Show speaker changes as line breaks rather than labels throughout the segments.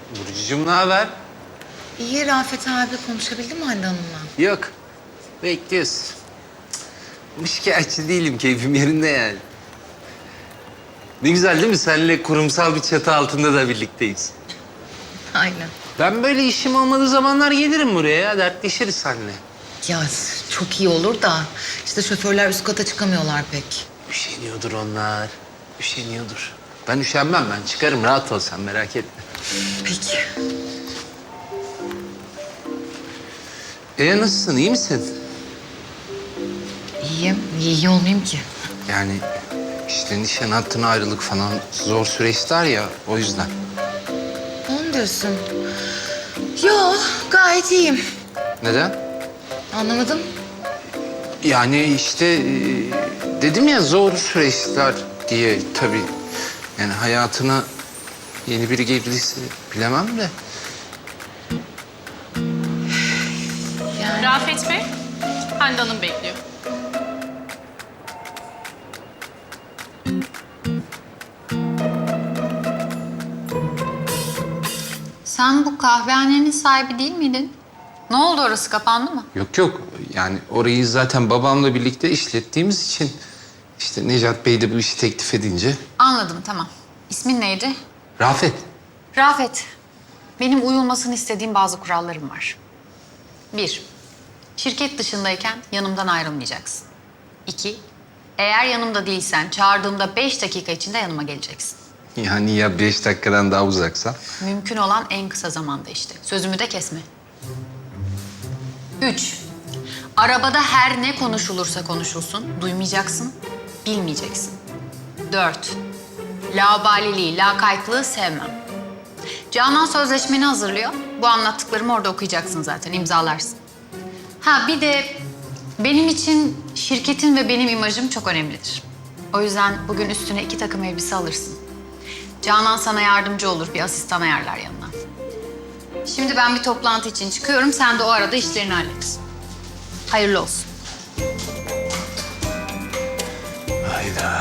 Burcucuğum ne haber?
İyi Rafet abi konuşabildin mi Hande Hanım'la?
Yok. Bekliyoruz. Cık, şikayetçi değilim. Keyfim yerinde yani. Ne güzel değil mi? Seninle kurumsal bir çatı altında da birlikteyiz.
Aynen.
Ben böyle işim olmadığı zamanlar gelirim buraya ya. Dertleşiriz seninle.
Ya çok iyi olur da işte şoförler üst kata çıkamıyorlar pek.
Üşeniyordur onlar. Üşeniyordur. Ben üşenmem ben. Çıkarım rahat ol sen merak etme.
Peki.
Nasılsın? İyi misin?
İyiyim. Niye iyi olmayayım ki?
Yani işte nişan hattına ayrılık falan zor süreçler ya o yüzden.
Onu diyorsun. Yo gayet iyiyim.
Neden?
Anlamadım.
Yani işte dedim ya zor süreçler diye tabii. Yani hayatına yeni biri girdiyse bilemem de.
Yani
Rafet Bey, Hande Hanım bekliyor.
Sen bu kahvehanenin sahibi değil miydin? Ne oldu, orası kapandı mı?
Yok yok yani orayı zaten babamla birlikte işlettiğimiz için işte Necat Bey de bu işi teklif edince.
Anladım, tamam. İsmin neydi?
Rafet.
Rafet. Benim uyulmasını istediğim bazı kurallarım var. 1. Şirket dışındayken yanımdan ayrılmayacaksın. 2. Eğer yanımda değilsen çağırdığımda 5 dakika içinde yanıma geleceksin.
Yani ya 5 dakikadan daha uzaksa?
Mümkün olan en kısa zamanda işte. Sözümü de kesme. 3. Arabada her ne konuşulursa konuşulsun, duymayacaksın, bilmeyeceksin. 4. Laubaliliği, lakaytlığı sevmem. Canan sözleşmeni hazırlıyor. Bu anlattıklarımı orada okuyacaksın zaten, imzalarsın. Ha bir de benim için şirketin ve benim imajım çok önemlidir. O yüzden bugün üstüne 2 takım elbise alırsın. Canan sana yardımcı olur, bir asistan ayarlar yanına. Şimdi ben bir toplantı için çıkıyorum, sen de o arada işlerini hallet. Hayırlı olsun.
Hayda.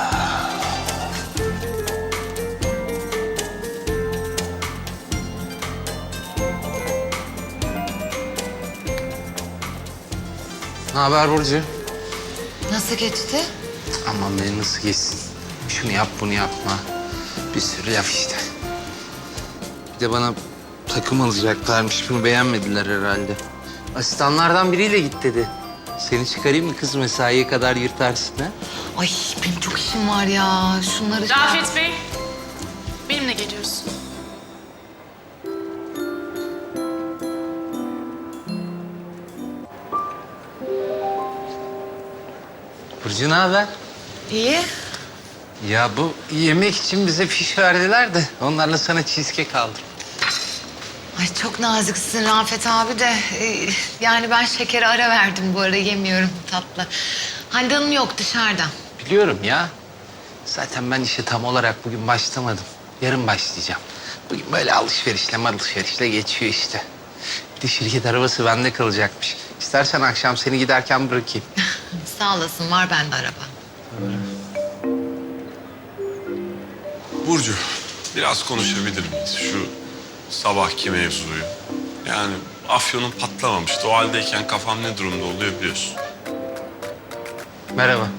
Ne haber Burcu?
nasıl geçti?
Aman beni nasıl geçsin? Şunu yap, bunu yapma. Bir sürü laf işte. Bir de bana takım alacaklarmış. Bunu beğenmediler herhalde. Asistanlardan biriyle git dedi. Seni çıkarayım mı kız mesaiye kadar yırtarsın ha?
Ay benim çok işim var ya. Şunları...
Rafet Bey, benimle geliyorsun.
Burcu ne haber?
İyi.
Ya bu yemek için bize fiş verdiler de onlarla sana cheesecake aldım.
Ay çok naziksin Rafet abi de. Yani ben şekere ara verdim bu ara yemiyorum tatlı. Hande Hanım yok dışarıda.
Biliyorum ya. Zaten ben işe tam olarak bugün başlamadım. Yarın başlayacağım. Bugün böyle alışverişle geçiyor işte. Bir de şirket arabası bende kalacakmış. İstersen akşam seni giderken bırakayım.
Sağ olasın var bende araba.
Burcu, biraz konuşabilir miyiz şu sabahki mevzuyu? Yani afyonun patlamamıştı. O haldeyken kafam ne durumda oluyor biliyorsun.
Merhaba.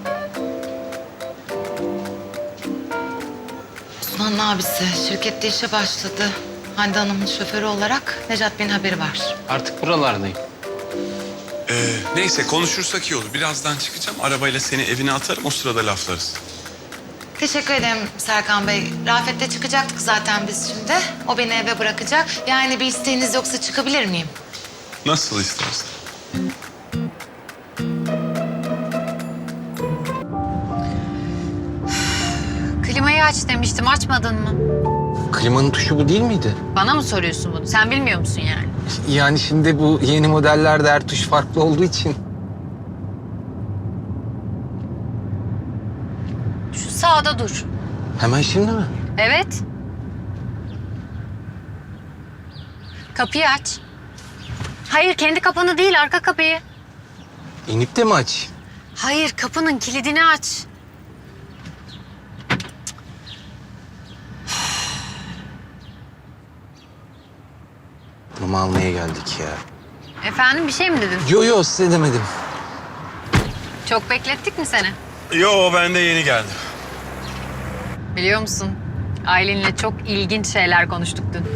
Osman'ın abisi şirkette işe başladı. Hande Hanım'ın şoförü olarak Necat Bey'in haberi var.
Artık buralardayım.
Neyse konuşursak iyi olur. Birazdan çıkacağım. Arabayla seni evine atarım. O sırada laflarız.
Teşekkür ederim Serkan Bey. Rafet'le çıkacaktık zaten biz şimdi. O beni eve bırakacak. Yani bir isteğiniz yoksa çıkabilir miyim?
Nasıl istersen.
Klimayı aç demiştim, açmadın mı?
Klimanın tuşu bu değil miydi?
Bana mı soruyorsun bunu? Sen bilmiyor musun yani?
Yani şimdi bu yeni modellerde her tuş farklı olduğu için.
Şu sağda dur.
Hemen şimdi mi?
Evet. Kapıyı aç. Hayır, kendi kapını değil, arka kapıyı.
İnip de mi açayım?
Hayır, kapının kilidini aç.
intikamımı almaya geldik ya.
Efendim bir şey mi dedin?
Yo size demedim.
Çok beklettik mi seni?
Yo ben de yeni geldim.
Biliyor musun? Aylin'le çok ilginç şeyler konuştuk dün.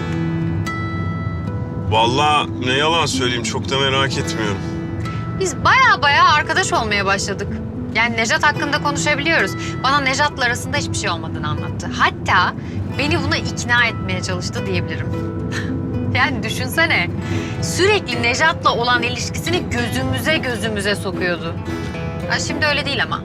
Vallahi ne yalan söyleyeyim çok da merak etmiyorum.
Biz baya arkadaş olmaya başladık. Yani Nejat hakkında konuşabiliyoruz. Bana Nejat'la arasında hiçbir şey olmadığını anlattı. Hatta beni buna ikna etmeye çalıştı diyebilirim. Yani düşünsene. Sürekli Nejat'la olan ilişkisini gözümüze sokuyordu. Ha, şimdi öyle değil ama.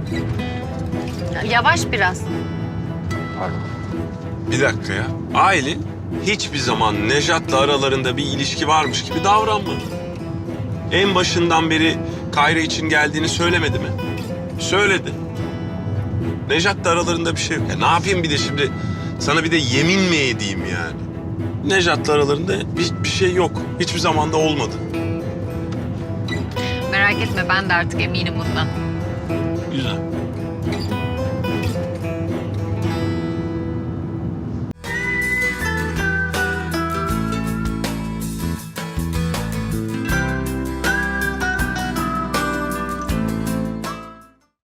Yavaş biraz.
Pardon.
Bir dakika ya. Aylin hiçbir zaman Nejat'la aralarında bir ilişki varmış gibi davranmadı. En başından beri Kayra için geldiğini söylemedi mi? Söyledi. Nejat'la aralarında bir şey yok. Ya ne yapayım bir de şimdi sana bir de yemin mi edeyim yani? Nejat'la aralarında bir şey yok. Hiçbir zaman da olmadı.
Merak etme ben de artık eminim bundan.
Güzel.